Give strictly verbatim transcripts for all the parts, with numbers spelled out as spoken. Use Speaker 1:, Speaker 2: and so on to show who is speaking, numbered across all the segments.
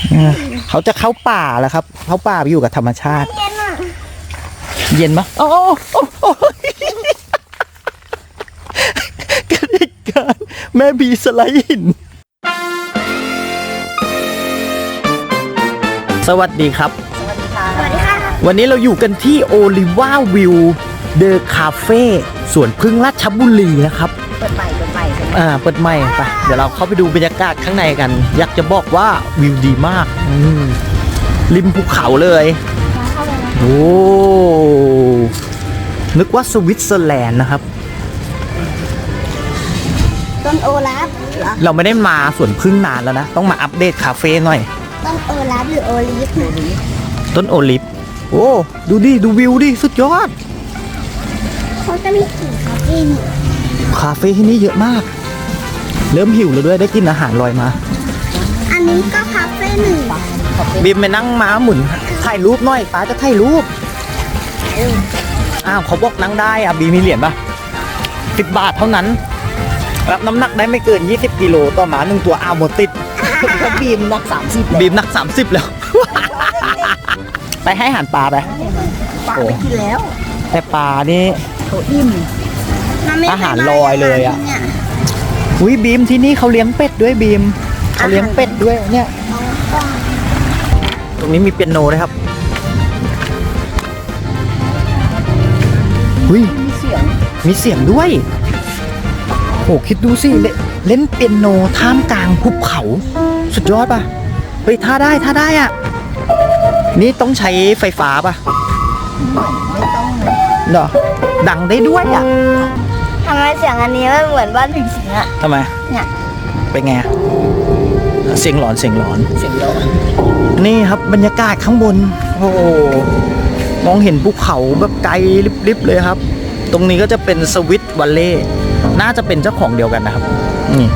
Speaker 1: เขาจะเข้าป่าแล้วครับเข้าป่าไปอยู่กับธรรมชาติเย็นอ่ะเย็นมะโอ้โอ้โอ้กันเหตุการณ์แม่บีสไลด์หินสวัสดีครับ
Speaker 2: สวัสดีค่ะสวัสดีค่ะ
Speaker 1: วันนี้เราอยู่กันที่โอลิวาวิวเดอะคาเฟ่สวนพึ่งราชบุรีนะครับ
Speaker 2: เปิดใหม่เปิดใหม่
Speaker 1: อ่าเปิดใหม่ไปเดี๋ยวเราเข้าไปดูบรรยากาศข้างในกันอยากจะบอกว่าวิวดีมากริมภูเขาเลยโอ้นึกว่าสวิตเซอร์แลนด์นะครับ
Speaker 2: ต้นโอลาฟ
Speaker 1: เราไม่ได้มาสวนพึ่งนานแล้วนะต้องมาอัปเดตคาเฟ่หน่อย
Speaker 2: ต้นโอลาฟหรือโอลิฟ
Speaker 1: ต้นโอลิฟโอ้ดูดิดูวิวดิสุดยอด
Speaker 2: เขาจะมีกี่คาเฟ่
Speaker 1: คาเฟ่ที่นี่เยอะมากเริ่มหิวแล้วด้วยได้กินอาหารลอยมา
Speaker 2: อันนี้ก็คาเฟ่หนึ่ง
Speaker 1: บีมไปนั่งม้าหมุนถ่ายรูปหน่อยป้าจะถ่ายรูปอ้าวเขาบอกนั่งได้อ่ะบีมีเหรียญป่ะสิบบาทเท่านั้นรับน้ำหนักได้ไม่เกินยี่สิบกิโลต่อหมาหนึ่งตัวอ้าวหมดติด
Speaker 2: บีมนักสามสิบ
Speaker 1: บีมนักสามสิบแล้วไปให้อาหารปลาไป
Speaker 2: ปลาไปกินแล้ว
Speaker 1: แต่ปลานี่
Speaker 2: เขาอิ่ม
Speaker 1: อาหารลอยเลยอ่ะอุ้ยบีมที่นี่เขาเลี้ยงเป็ดด้วยบีมเขาเลี้ยงเป็ดด้วยเนี่ยตรงนี้มีเปียโนด้วยครับอุ้ยมีเสียงมีเสียงด้วยโอ้คิดดูสิเล่นเปียโนท่ามกลางภูเขาสุดยอดป่ะเฮ้ยท่าได้ท่าได้อ่ะนี่ต้องใช้ไฟฟ้าป่ะ
Speaker 2: ไม่ต้อง
Speaker 1: เหรอดังได้ด้วยอ่ะ
Speaker 2: ทำไมเสียงอันนี้มันเหมือนบ้านผีสิงอ่ะ
Speaker 1: ทำไม
Speaker 2: เนี่ย
Speaker 1: เป็นไงเสียงหลอนเสียงหลอน
Speaker 2: เสียงหลอน
Speaker 1: นี่ครับบรรยากาศข้างบนโอ้มองเห็นภูเขาแบบไกลลิบๆเลยครับตรงนี้ก็จะเป็นสวิตวัลเล่น่าจะเป็นเจ้าของเดียวกันนะครับนี่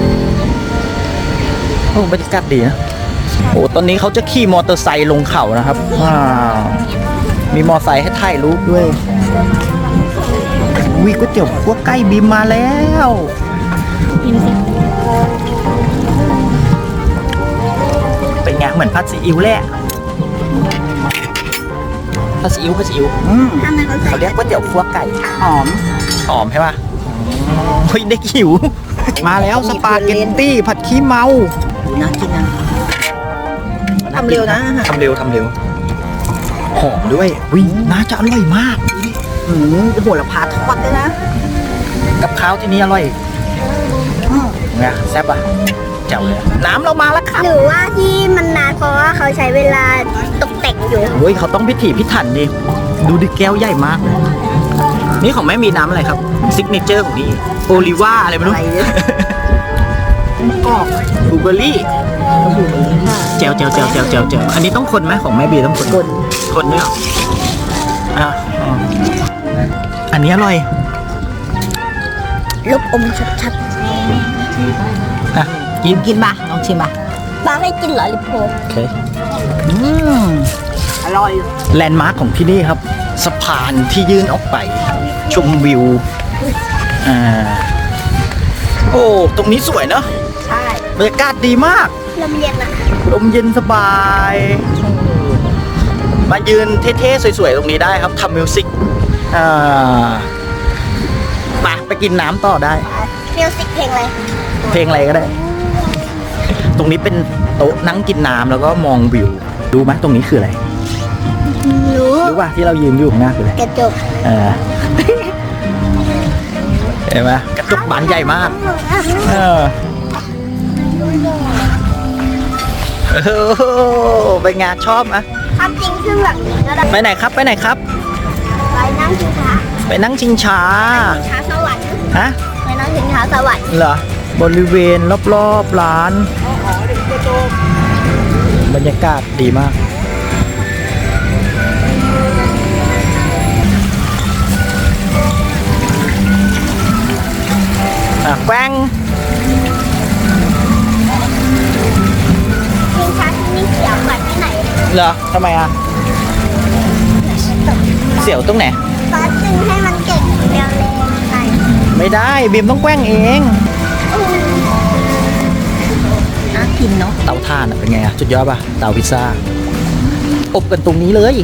Speaker 1: โอ้บรรยากาศดีนะโอ้ตอนนี้เขาจะขี่มอเตอร์ไซค์ลงเขานะครับมีมอเตอร์ไซค์ให้ถ่ายรูปด้วยวิก๋วยเตี๋ยวพวกใกล้บีมมาแล้วเป็นไงเหมือนผัดซีอิ๊วแหละผัดซีอิ๊วผัดซีอิ๊วเขาเรียกก๋วยเตี๋ยวพวกไก่หอมหอมใช่ป่ะเฮ้ยได้หิวมาแล้วสปาเกตตี้ผัดขี้เมา
Speaker 2: น่ากินนะทำเร็วนะ
Speaker 1: ทำเร็วทำเร็วหอมด้วยวิน่าจะอร่อยมาก
Speaker 2: หืมโหระพาทอดด้วยนะ
Speaker 1: กับข้าวที่นี่อร่อยไงแซ่บอ่ะเจ๋วเลยน้ำเรามาแล้วครับ
Speaker 2: หรือว่าที่มันนานเพราะว่าเขาใช้เวลาตกแต่งอยู่
Speaker 1: โอ้ยเขาต้องพิถีพิถันดิดูดิแก้วใหญ่มากเลยนี่ของแม่มีน้ำอะไรครับซิกเนเจอร์ของนี่โอลิว่าอะไรไม่รู้
Speaker 2: กอก
Speaker 1: บลูเบอร์รี่เจ๋วเจ๋วเจ๋วเจ๋วเจ๋วเจ๋วอันนี้ต้องคนไหมของแม่บีต้องคน
Speaker 2: คน
Speaker 1: คนเนี่ยอ่ะอันนี้อร่อย
Speaker 2: ลูกอมชัด
Speaker 1: ๆอ่ะกิน
Speaker 2: กินป่ะลองชิมป่ะป้าให้กินเหรอลิปโพ
Speaker 1: โอเคอืม
Speaker 2: อร่อย
Speaker 1: แลนด์มาร์คของที่นี่ครับสะพานที่ยื่นออกไปชมวิวอ่าโอ้ตรงนี้สวยเนาะ
Speaker 2: ใช่
Speaker 1: บรรยากาศดีมาก
Speaker 2: ลมเย็นนะ
Speaker 1: ลมเย็นสบายมายืนเท่ๆสวยๆตรงนี้ได้ครับทำมิวสิกอ่าไปไปกินน้ำต่อได้
Speaker 2: มิวสิกเพลงอะไร
Speaker 1: เพลงอะไรก็ได้ตรงนี้เป็นโต๊ะนั่งกินน้ำแล้วก็มองวิวดูไหมตรงนี้คืออะไร
Speaker 2: รู้
Speaker 1: รู้ป่ะที่เรายืนอยู่ข้างหน้าคืออะไร
Speaker 2: กระจก
Speaker 1: เออเห็นไหมกระจกบานใหญ่มากเออโอ้ไปงานชอบอ่ะ
Speaker 2: ความจริงคือแบบนี้ก็ได้
Speaker 1: ไปไหนครับไปไหนครับ
Speaker 2: ไปนั่งชิงช้า
Speaker 1: ไปนั่งชิงช้า
Speaker 2: ช้าสวรรค์
Speaker 1: ฮะ
Speaker 2: ไปนั่งชิงช้าสวรรค์
Speaker 1: เหรอบริเวณรอบๆร้านบรรยากาศดีมากอ่ะแกว้ง
Speaker 2: ชิงช้าที่นี่เสียวเหมือนที่ไหน
Speaker 1: เหรอทำไมอ่ะเสียวตรงไหน
Speaker 2: ก็จึงให้มันเก่งเร็วๆไป
Speaker 1: ไม่ได้บีมต้องแกว้งเอง
Speaker 2: อ่ะกินเนาะ
Speaker 1: เตาถ่านอะเป็นไงอะสุดยอดป่ะเตาพิซซ่าอบกันตรงนี้เลย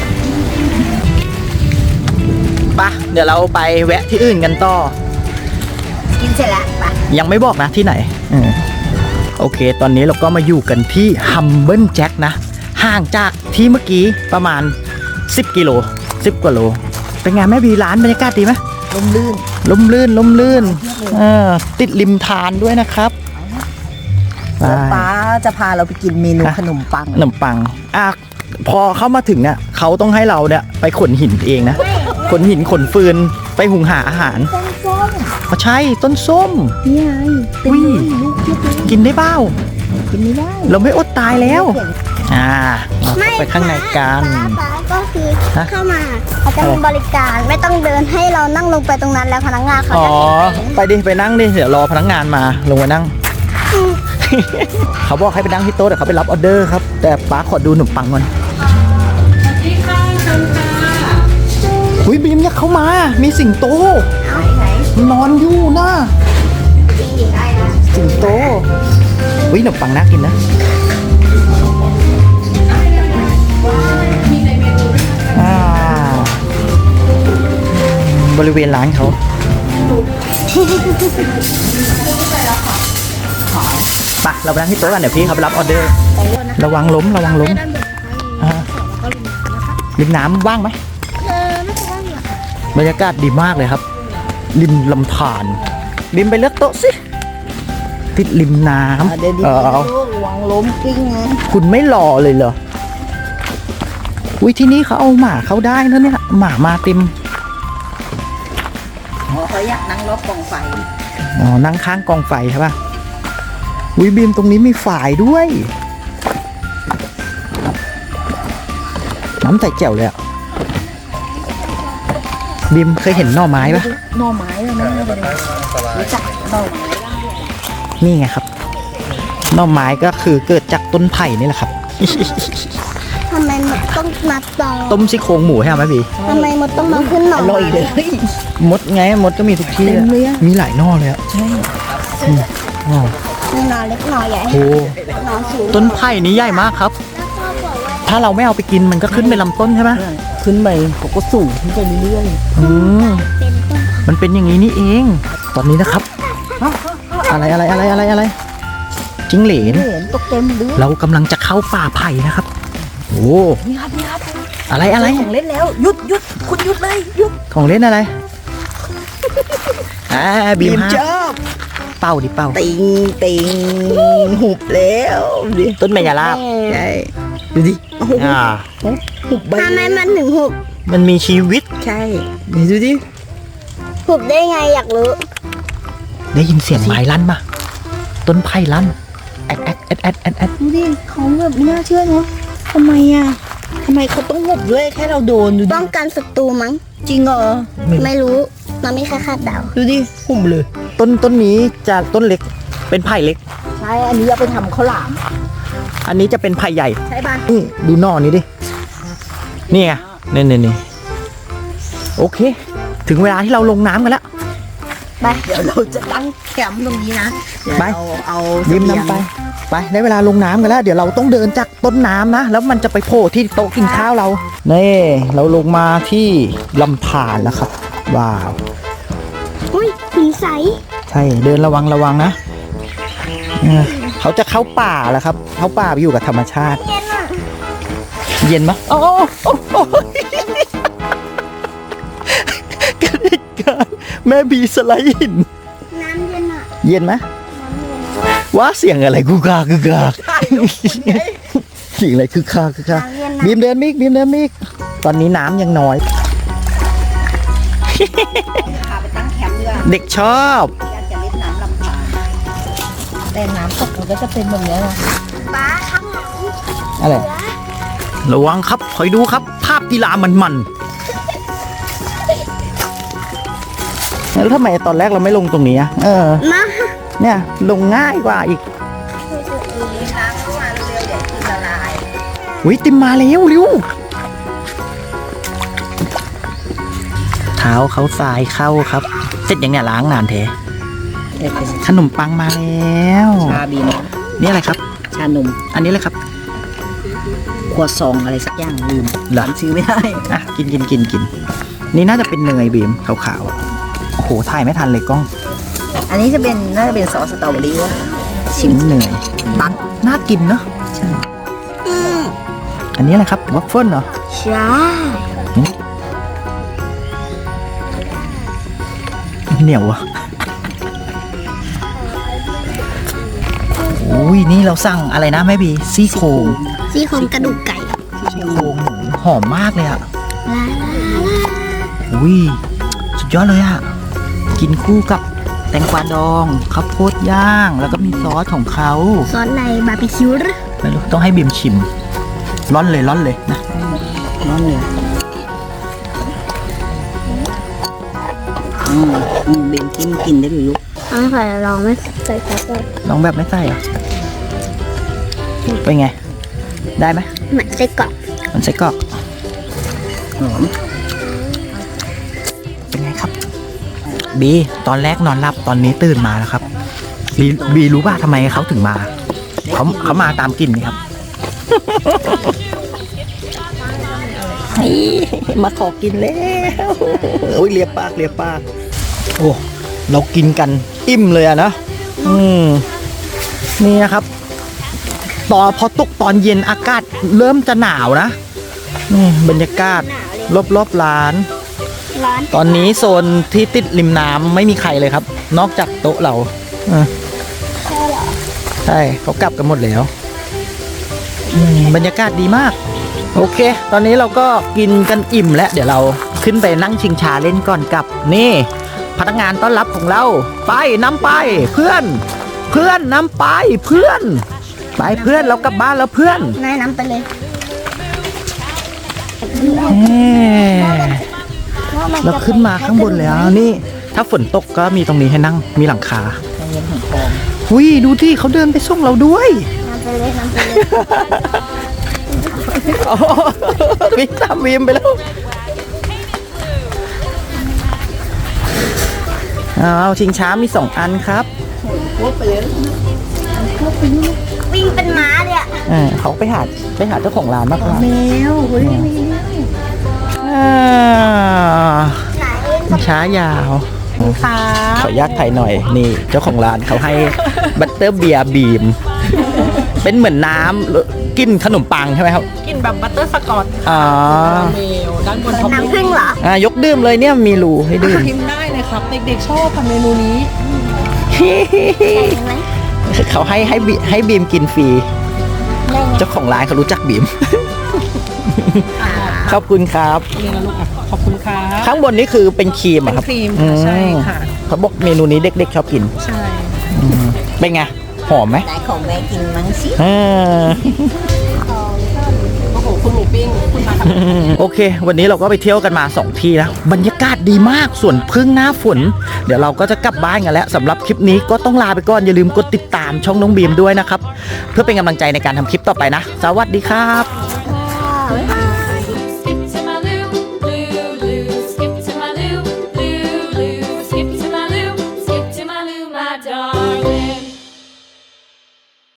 Speaker 1: ปะเดี๋ยวเราไปแวะที่อื่นกันต่อ
Speaker 2: กินเสร็จแล้วไป
Speaker 1: ยังไม่บอกนะที่ไหนอืมโอเค ตอนนี้เราก็มาอยู่กันที่ Humble Jack นะ ห่างจากที่เมื่อกี้ประมาณ สิบกิโลสิบกว่าโล เป็นไงแม่บีร้านบรรยากาศดีไหม
Speaker 2: ลมลื่น
Speaker 1: ลมลื่นลมลื่นเออติดริมทานด้วยนะครับไป
Speaker 2: ป้าจะพาเราไปกินเมนูขนมปัง
Speaker 1: ขนมปังอ่ะพอเข้ามาถึงเนี่ยเขาต้องให้เราเนี่ยไปขนหินเองนะ ขนหินขนฟืนไปหุงหาอาหาร
Speaker 2: ต้นส้ม
Speaker 1: อ๋อใช่ต้นส้ม
Speaker 2: นี่ไงเป็น
Speaker 1: อุ้ย
Speaker 2: ลูกเทียบเลย
Speaker 1: กินได้เบ้า
Speaker 2: กินไม่ได้
Speaker 1: เราไม่อดตายแล้ว อ่าเราเข้าไปข้างในกัน
Speaker 2: ป้าก็คือ
Speaker 1: ฮะ
Speaker 2: เข้ามาเขาจะมีบริการไม่ต้องเดินให้เรานั่งลงไปตรงนั้นแล้วพนักงานเขา
Speaker 1: อ๋อ
Speaker 2: จะ
Speaker 1: ไปดิไปนั่งดิเดี๋ยวรอพนักงานมาลงมานั่ง เขาบอกให้ไปนั่งที่โต๊ะแต่เขาไปรับออเดอร์ครับ แต่ป้าขอดูขนมปังก่อนอุ้ยบีมเนี่ยเขามา มีสิงโต
Speaker 2: เอาไหน
Speaker 1: นอนอยู่นะ
Speaker 2: จริงดิได้นะ
Speaker 1: สิงโตอุ้ยขนมปังน่ากินนะอ่าบริเวณร้านเขาไปเราไปนั่งที่โต๊ะกันเดี๋ยวพี่เขาไปรับออเดอร์ ระวังล้มระวังล้มอ่าริมน้ำว่างไหม
Speaker 2: เออไม่ใช่ว่า
Speaker 1: บรรยากาศดีมากเลยครับ ริมลำธารริมไปเลือกโต๊ะสิ ติดริมน้ำ
Speaker 2: เดี๋ยวดี
Speaker 1: เออเอา
Speaker 2: วางล้มกิ้งนะ
Speaker 1: คุณไม่รอเลยเหรออุ้ยที่นี่เขาเอาหมาเข้าได้นะเนี่ยหมามาเต็ม
Speaker 2: เขาอยากนั่งรอบกองไฟ
Speaker 1: อ๋อนั่งข้างกองไฟใช่ป่ะอุ้ยบีมตรงนี้มีฝายด้วย น้ำใส่แจ่วเลยอ่ะบีมเคยเห็นหน่อไม้ปะ
Speaker 2: หน่อไม้เลยนะเลยรู้จักหน่อไม้
Speaker 1: นี่ไงครับหน่อไม้ก็คือเกิดจากต้นไผ่นี่แหละครับ
Speaker 2: ทำไมมดต้องมาตอ
Speaker 1: ต้มซี่โครงหมูให้เอาไหมบี
Speaker 2: ทำไมมดต้องมาขึ้นหน่อ
Speaker 1: อร่อยเลย มดไงมดก็มีทุกที่
Speaker 2: เต็มเลยอะ
Speaker 1: มีหลายหน่อเลยอ่ะ
Speaker 2: ใช่
Speaker 1: อ๋อ
Speaker 2: หน่อเล็กหน่อใหญ่
Speaker 1: โอ้
Speaker 2: หน่อสูง
Speaker 1: ต้นไผ่นี้ใหญ่มากครับ ถ้าเราไม่เอาไปกินมันก็ขึ้นไปลำต้นใช่ไหม
Speaker 2: ขึ้นไปเขาก็สูงขึ้นไปเรื่อย
Speaker 1: อืม
Speaker 2: เป็นต้น
Speaker 1: มันเป็นอย่างนี้นี่เอง ตอนนี้นะครับ อะไรอะไรอะไรอะไรอะไรจิ้งเหลน
Speaker 2: เห็นตกเต็มเลย
Speaker 1: เรากำลังจะเข้าป่าไผ่นะครับ โอ้
Speaker 2: นี่ครับนี่ครับ
Speaker 1: อะไรอะไร
Speaker 2: ของเล่นแล้วหยุดหยุดคุณหยุดเลยหยุด
Speaker 1: ของเล่นอะไรอ่าบีม
Speaker 2: ช
Speaker 1: ฮะ
Speaker 2: อบ
Speaker 1: เป้าดิเป้า
Speaker 2: ติงติงหุบแล้วดิ
Speaker 1: ต้นเมยาลาบ
Speaker 2: ใช่ดูดิโอ้โห
Speaker 1: อ่า
Speaker 2: หุบใบทำไมมันถึงหุบ
Speaker 1: มันมีชีวิต
Speaker 2: ใช่ดูดิหุบได้ไงอยากรู้
Speaker 1: ได้ยินเสียงไม้ลั่นปะต้นไผ่ลั่นแอดแอดแอดแอดแอดแอด
Speaker 2: ดูดิเขาแบบไม่น่าเชื่อเนาะทำไมอ่ะทำไมเขาต้องหุบด้วยแค่เราโดนดูป้องกันศัตรูมั้งจริงเหรอไม่รู้เราไม่แค่คาดเดาดูดิหุบเลย
Speaker 1: ต้นต้นนี้จะต้นเล็กเป็นไผ่เล็ก
Speaker 2: ใช่อันนี้เอาไปทำข้าวหลาม
Speaker 1: อันนี้จะเป็นไผ่ใหญ่
Speaker 2: ใช่ป่ะ
Speaker 1: นี่ดูหน่อนี้ดิ นี่ไงนี่นี่นี่โอเค ถึงเวลาที่เราลงน้ำกันแล้ว
Speaker 2: ไปเดี๋ยวเราจะตั้งแคมป์ตรงนี้นะเดี๋ยว
Speaker 1: ไป
Speaker 2: เราเอา
Speaker 1: ยิ้ม
Speaker 2: เสบียง
Speaker 1: น้ำไป ไปได้เวลาลงน้ำกันแล้ว เดี๋ยวเราต้องเดินจากต้นน้ำนะ แล้วมันจะไปโผล่ที่โต๊ะกินข้าวเรา นี่เราลงมาที่ลำธารแล้วครับ ว้าว
Speaker 2: อุ้ยหินใส
Speaker 1: ใช่ เดินระวังระวังนะเออเขาจะเข้าป่าแล้วครับ เข้าป่าไปอยู่กับธรรมชาติ
Speaker 2: เย็นอ่ะ
Speaker 1: เย็นไหมโอ้โอ้โอ้โอ้กระดิกการแม่บีสไลด์หิน
Speaker 2: น้ำเย็นอ่ะ
Speaker 1: เย็นไหม
Speaker 2: น้ำเย็น
Speaker 1: ว่าเสียงอะไรกูกากกูกากเสียงอะไรคือคาคือคา
Speaker 2: น้ำเย็นนะ
Speaker 1: บีมเดินมิกบีมเดินมิกตอนนี้น้ำยังน้อย
Speaker 2: พาไปตั้งแคมป์ดีกว่า
Speaker 1: เด็กชอบ
Speaker 2: อยากจะเล่นน้ำลำธารแต่น้ำตกมันก็จะเป็นแบบนี้นะป้าข้างหลัง
Speaker 1: อะไรระวังครับคอยดูครับ ภาพกีฬามันมันแล้วทำไมตอนแรกเราไม่ลงตรงนี้อะเออ
Speaker 2: มา
Speaker 1: เนี่ยลงง่ายกว่าอีก
Speaker 2: น้ำเข้ามาเร็วๆเดี๋ยวกินละลาย
Speaker 1: วิติมมาเร็วเร็วเท้าเขาทรายเข้าครับ เสร็จยังเนี่ยล้างนานเทขนมปังมาแล้ว
Speaker 2: ชาบีนะ
Speaker 1: นี่อะไรครับ
Speaker 3: ชานม
Speaker 1: อันนี้เลยครับ
Speaker 3: ครัวซองอะไรสักอย่างลืม
Speaker 1: เหรอ
Speaker 3: จำชื่อไม่ได้
Speaker 1: อ่ะกินกินกินกินนี่น่าจะเป็นเนยบีมขาวๆอ่ะโอ้โหถ่ายไม่ทันเลยกล้อง
Speaker 3: อันนี้จะเป็นน่าจะเป็นซอสสตรอเบอรี่วะชิ
Speaker 1: ชิ้
Speaker 3: ม
Speaker 1: นเนยตักน่ากินเนาะ
Speaker 3: ใช่
Speaker 1: อันนี้อะไรครับวัฟเฟิลเหรอ
Speaker 2: ใช่
Speaker 1: เหนียวอ่ะอุ้ยนี่เราสั่งอะไรนะแม่บีซี่โครง
Speaker 2: ซี่โครงกระดูกไก่
Speaker 1: ซี่โครงหมูหอมมากเลยอ่ะ
Speaker 2: ลา
Speaker 1: อุ้ยสุดยอดเลยอ่ะ กินคู่กับแตงกวาดองข้าวโพดย่าง แล้วก็มีซอสของเขา
Speaker 2: ซอสในบาร์บีคิวหรือ
Speaker 1: ไม่รู้ต้องให้บีมชิมร้อนเลยร้อนเลยนะ
Speaker 3: น้อนเนื้ออืมอืมเบนกินกินได้เลยลูก
Speaker 2: ต้องใส่ลองไม่ใส่ซอสเลย
Speaker 1: ลองแบบไม่ใส่เหรอ่ะเป็นไง ได้ไหม
Speaker 2: เหมือนไส้กรอก
Speaker 1: มันไส้กรอก
Speaker 3: หอม
Speaker 1: เป็นไงครับ บีตอนแรกนอนหลับตอนนี้ตื่นมาแล้วครับ บีบีรู้ป่ะทำไมเขาถึงมาเขาเขามาตามกลิ่นนี่ครับ มาขอกินแล้วโอ้ยเลียปากเลียปากโอ้เรากินกันอิ่มเลยอะนะอืมนี่นะครับตอนพอตกตอนเย็นอากาศเริ่มจะหนาวนะนี่บรรยากาศรอบๆร้าน
Speaker 2: ร้อน
Speaker 1: ตอนนี้โซนที่ติดริมน้ำไม่มีใครเลยครับ นอกจากโต๊ะเราอ่ะใช่เขากลับกันหมดแล้วอืมบรรยากาศดีมาก โอเค ตอนนี้เราก็กินกันอิ่มแล้ว เดี๋ยวเราขึ้นไปนั่งชิงชาเล่นก่อนกับ นี่ พนักงานต้อนรับของเรา ไปนำไปเพื่อน เพื่อนนำไปเพื่อน ไปเพื่อนเรากลับบ้านแล้วเพื่อน
Speaker 2: แนะนำไปเลย
Speaker 1: เอ้เราขึ้นมาข้างบนแล้วนี่ ถ้าฝนตกก็มีตรงนี้ให้นั่งมีหลังคา
Speaker 3: ใจเย็นของทอง
Speaker 1: อุ้ยดูที่เขาเดินไปส่งเราด้วย
Speaker 2: นำไปเลยนำไปเลย
Speaker 1: อ๋อวิ่งตามวีมไปแล้วเอาชิงช้ามีสองอันครับ
Speaker 2: วิ่งเป็นม้าเลยอะ
Speaker 1: อ่าเขาไปหาไปหาเจ้าของร้านมากกว่า
Speaker 3: แมวเฮ้ย
Speaker 1: อ่า
Speaker 2: ไหน
Speaker 1: ชิงช้ายาว
Speaker 3: ค่ะ
Speaker 1: ขออนุญาตถ่ายหน่อยนี่เจ้าของร้านเขาให้บัตเตอร์เบียร์บีม เป็นเหมือนน้ำกินขนมปังใช่ไหมครับ
Speaker 4: กินแบบบัตเตอร์สกอต
Speaker 1: อ๋อ
Speaker 4: เมลด้านบนท็อป
Speaker 2: น้ำผึ้งเหรอ
Speaker 1: อ่ายกดื่มเลยเนี่ยมีรูให้ดื่ม
Speaker 4: พิมพ์ได้เลยครับ เด็กๆชอบค่ะเมนูนี้
Speaker 2: ใช่ไหม
Speaker 1: เขาให้ให้บีให้บีมกินฟรี
Speaker 2: ได้ไง
Speaker 1: เจ้าของร้านเขารู้จักบีม ขอบคุณครับ
Speaker 4: นี่นะลูกอ่ะ ขอบคุณค่ะ
Speaker 1: ข้างบนนี้คือเป็นครีมเหร
Speaker 4: เป็
Speaker 1: อะ
Speaker 4: น
Speaker 1: ครับ
Speaker 4: ครีม
Speaker 1: อื
Speaker 4: ค่ะ
Speaker 1: ม
Speaker 4: ใช่ค่ะ
Speaker 1: เขาบอกเมนูนี้เด็กๆชอบกิน
Speaker 4: ใช่
Speaker 1: อืมเป็นไง หอมไหม
Speaker 3: ไหนของแม่กินมั้งสิ
Speaker 1: อ่า
Speaker 4: โอ้โห คุณหมูปิ้ง คุณมาทำ
Speaker 1: โอเค วันนี้เราก็ไปเที่ยวกันมาสองที่นะบรรยากาศดีมากส่วนพึ่งหน้าฝน เดี๋ยวเราก็จะกลับบ้านกันแล้วสำหรับคลิปนี้ก็ต้องลาไปก่อน อย่าลืมกดติดตามช่องน้องบีมด้วยนะครับ เพื่อเป็นกำลังใจในการทำคลิปต่อไปนะ สวัสดีครับ
Speaker 2: บ๊ายบาย